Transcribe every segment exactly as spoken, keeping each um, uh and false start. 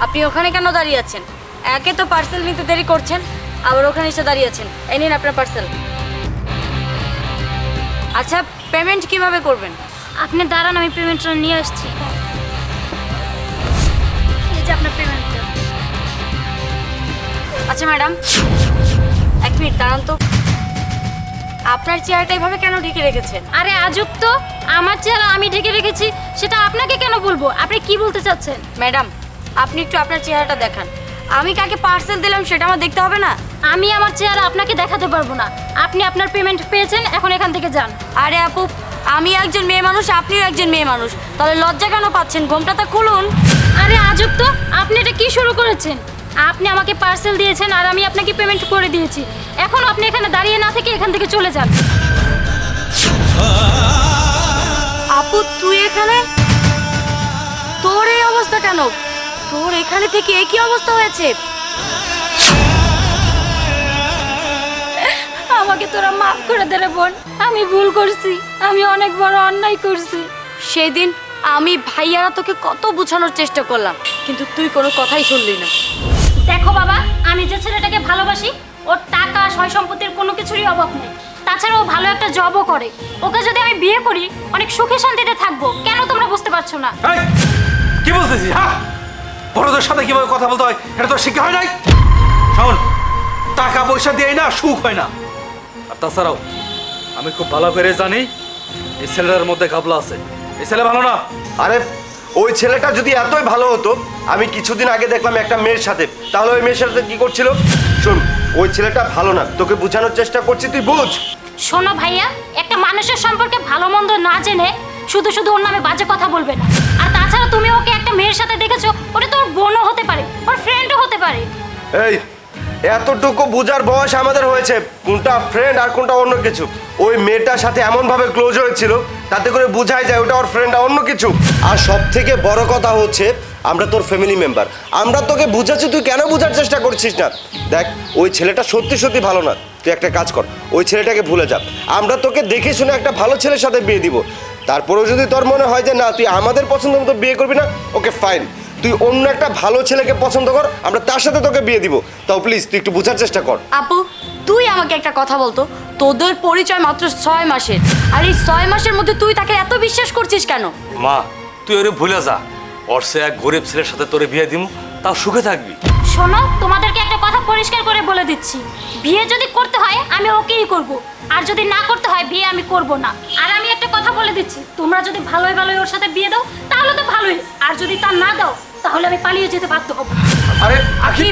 আপনি ওখানে কেন দাঁড়িয়ে আছেন? একে তো পার্সেল নিতে দেরি করছেন, আবার ওখানে এসে দাঁড়িয়ে আছেন। এই নিন আপনার পার্সেল। আচ্ছা, পেমেন্ট কিভাবে করবেন? আপনি দাঁড়ান, আমি পেমেন্টটা নিয়ে আসছি। এই যে আপনার পেমেন্টটা। আচ্ছা ম্যাডাম, এক মিনিট দাঁড়ান তো। আপনার চেয়ারটা এভাবে কেন ঢেকে রেখেছেন? আরে আজব তো, আমার চেহারা আমি ঢেকে রেখেছি সেটা আপনাকে কেন বলবো? আপনি কি বলতে চাচ্ছেন? ম্যাডাম, আপনি একটু আপনার চেহারাটা দেখান। আমি কাকে পার্সেল দিলাম সেটা আমার দেখতে হবে না? আমি আমার চেহারা আপনাকে দেখাতে পারবো না। আপনি আপনার পেমেন্ট পেয়েছেন, এখন এখান থেকে যান। আরে আপু, আমি একজন মেয়ে মানুষ, আপনিও একজন মেয়ে মানুষ, তাহলে লজ্জা কেন পাচ্ছেন? ঘোমটা তো খুলুন। আরে আজব তো, আপনি এটা কি শুরু করেছেন? আপনি আমাকে পার্সেল দিয়েছেন আর আমি আপনাকে পেমেন্ট করে দিয়েছি। এখন আপনি এখানে দাঁড়িয়ে না থেকে এখান থেকে চলে যান। আপু তুই এখানে? তোর এই অবস্থা কেন? তোর এখানে থেকে একই অবস্থা হয়েছে? আমাকে তোরা মাফ করে দে রে বোন, আমি ভুল করছি, আমি অনেক বড় অন্যায় করছি। সেদিন আমি ভাইয়ারা তোকে কত বোঝানোর চেষ্টা করলাম, কিন্তু তুই কোনো কথাই শুনলি না। দেখো বাবা, আমি যে ছেলেটাকে ভালোবাসি ওর টাকা সয় সম্পত্তির কোনো কিছুরই অভাব নেই। তাছাড়া ও ভালো একটা জবও করে। ওকে যদি আমি বিয়ে করি অনেক সুখে শান্তিতে থাকবো। কেন তোমরা বুঝতে পারছো না? এই, কি বলতেছিস? হ্যাঁ, বড়দের সাথে কিভাবে কথা বলতে হয় এটা তো শিক্ষা হয় নাই। শোন, টাকা পয়সা দিয়ে না সুখ হয় না। আর তাছাড়াও আমি খুব ভালো করে জানি এই ছেলেটার মধ্যে ঘাবলা আছে। এই ছেলে ভালো না। আরে ওই ছেলেটা যদি এতই ভালো হতো, আমি কিছুদিন আগে দেখলাম একটা মেয়ের সাথে, তাহলে ওই মেয়ের সাথে কি করছিল? শোন, ওই ছেলেটা ভালো না, তোকে বোঝানোর চেষ্টা করছি, তুই বুঝ। শোনো ভাইয়া, একটা মানুষের সম্পর্কে ভালো মন্দ না জেনে শুধু শুধু ওর নামে বাজে কথা বলবে না। আর তাছাড়া তুমি ওকে একটা মেয়ের সাথে দেখেছো, ওটা তোর বোনও হতে পারে, ওর ফ্রেন্ডও হতে পারে। এই এতটুকু বোঝার বয়স আমাদের হয়েছে, কোনটা ফ্রেন্ড আর কোনটা অন্য কিছু। ওই মেয়েটার সাথে এমনভাবে ক্লোজ হয়েছিল, তাতে করে বোঝাই যায় ওটা ওর ফ্রেন্ড আর অন্য কিছু। আর সব থেকে বড় কথা হচ্ছে, আমরা তোর ফ্যামিলি মেম্বার, আমরা তোকে বুঝাচ্ছি, তুই কেন বোঝার চেষ্টা করছিস না? দেখ, ওই ছেলেটা সত্যি সত্যি ভালো না। তুই একটা কাজ কর, ওই ছেলেটাকে ভুলে যা। আমরা তোকে দেখে শুনে একটা ভালো ছেলের সাথে বিয়ে দিব। তারপরেও যদি তোর মনে হয় যে না তুই আমাদের পছন্দ মতো বিয়ে করবি না, ওকে ফাইন, তুই অন্য একটা ভালো ছেলেকে পছন্দ কর, আমরা তার সাথে তোকে বিয়ে দিব। তাও প্লিজ তুই একটু বোঝার চেষ্টা কর। আপু, তুই আমাকে একটা কথা বলতো, তোদের পরিচয় মাত্র ছয় মাসের, আর এই ছয় মাসের মধ্যে তুই তাকে এত বিশ্বাস করছিস কেন? মা, তুই ওরে ভুলে যা। ওর সে এক গরিব ছেলের সাথে তোরে বিয়ে দিব, তাও সুখে থাকবি। শোনো, তোমাদেরকে একটা কথা পরিষ্কার করে বলে দিচ্ছি, বিয়ে যদি করতে হয় আমি ওকেই করব, আর যদি না করতে হয় বিয়ে আমি করব না। আর আমি একটা কথা বলে দিচ্ছি, তোমরা যদি ভালোই ভালোই ওর সাথে বিয়ে দাও তাহলে তো ভালোই, আর যদি তা না দাও তাহলে আমি পালিয়ে যেতে বাধ্য হব। আরে আখি,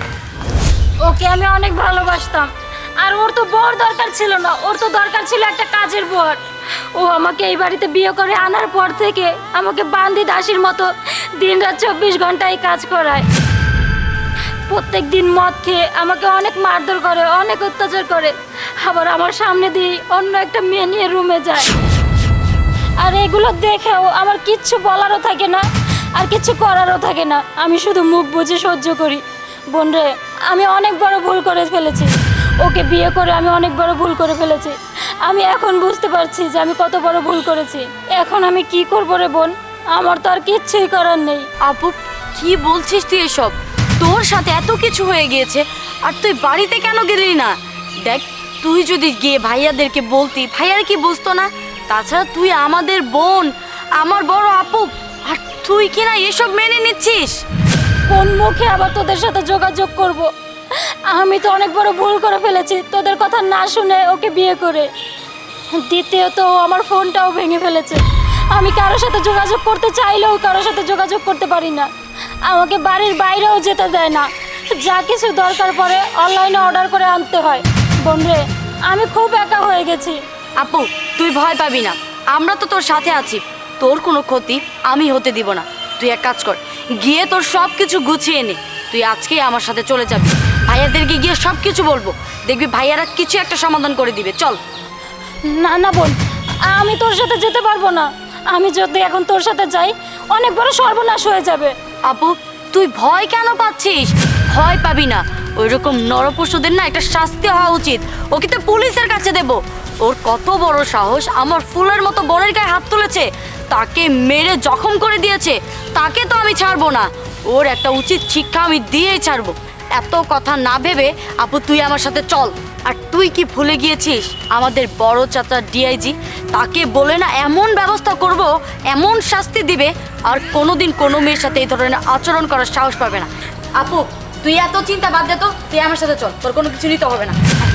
ওকে আমি অনেক ভালোবাসতাম, আর ওর তো বর দরকার ছিল না, ওর তো দরকার ছিল একটা কাজের বর। ও আমাকে এই বাড়িতে বিয়ে করে আনার পর থেকে আমাকে বান্দি দাসীর মতো দিন রাত চব্বিশ ঘন্টায় কাজ করায়। প্রত্যেক দিন মদ খেয়ে আমাকে অনেক মারধর করে, অনেক অত্যাচার করে, আবার আমার সামনে দিয়ে অন্য একটা মেয়ে নিয়ে রুমে যায়। আর এগুলো দেখেও আমার কিচ্ছু বলারও থাকে না, আর কিচ্ছু করারও থাকে না, আমি শুধু মুখ বুজে সহ্য করি। বোন রে, আমি অনেক বড় ভুল করে ফেলেছি, ওকে বিয়ে করে আমি অনেক বড় ভুল করে ফেলেছি। আমি এখন বুঝতে পারছি যে আমি কত বড় ভুল করেছি। এখন আমি কি করবো রে বোন, আমার তো আর কিচ্ছুই করার নেই। আপু, কি বলছিস তুই এসব? তোর সাথে এত কিছু হয়ে গিয়েছে আর তুই বাড়িতে কেন গেলি না? দেখ, তুই যদি গিয়ে ভাইয়াদেরকে বলতি, ভাইয়ারা কি বুঝতো না? তাছাড়া তুই আমাদের বোন, আমার বড় আপু, আর তুই কিনা এসব মেনে নিচ্ছিস? কোন মুখে আবার তোদের সাথে যোগাযোগ করব? আমি তো অনেক বড় ভুল করে ফেলেছি তোদের কথা না শুনে ওকে বিয়ে করে। দ্বিতীয়ত ও আমার ফোনটাও ভেঙে ফেলেছে, আমি কারোর সাথে যোগাযোগ করতে চাইলেও কারোর সাথে যোগাযোগ করতে পারি না, আমাকে বাড়ির বাইরেও যেতে দেয় না, যা কিছু দরকার পড়ে অনলাইনে অর্ডার করে আনতে হয়। বোন রে, আমি খুব একা হয়ে গেছি। আপু, তুই ভয় পাবি না, আমরা তো তোর সাথে আছি, তোর কোনো ক্ষতি আমি হতে দিব না। তুই এক কাজ কর, গিয়ে তোর সব কিছু গুছিয়ে নে, তুই আজকেই আমার সাথে চলে যাবি। ভাইয়াদেরকে গিয়ে সব কিছু বলবো, দেখবি ভাইয়ারা কিছু একটা সমাধান করে দিবে। চল। না না বোন, আমি তোর সাথে যেতে পারবো না, আমি যদি এখন তোর সাথে যাই অনেক বড় সর্বনাশ হয়ে যাবে। আপু, তুই ভয় কেন পাচ্ছিস? ভয় পাবি না, ওই রকম নরপশুদের না একটা শাস্তি হওয়া উচিত, ওকে তো পুলিশের কাছে দেব। ওর কত বড় সাহস, আমার ফুলের মতো বোনের গায়ে হাত তুলেছে, তাকে মেরে জখম করে দিয়েছে, তাকে তো আমি ছাড়বো না। ওর একটা উচিত শিক্ষা আমি দিয়েই ছাড়বো। এত কথা না ভেবে আপু তুই আমার সাথে চল। আর তুই কি ভুলে গিয়েছিস আমাদের বড় চাচা ডিআইজি, তাকে বলে না এমন ব্যবস্থা করব, এমন শাস্তি দিবে, আর কোনোদিন কোনো মেয়ের সাথে এই ধরনের আচরণ করার সাহস পাবে না। আপু তুই এত চিন্তা বাদ দে তো, তুই আমার সাথে চল, তোর কোনো কিছু নিতে হবে না।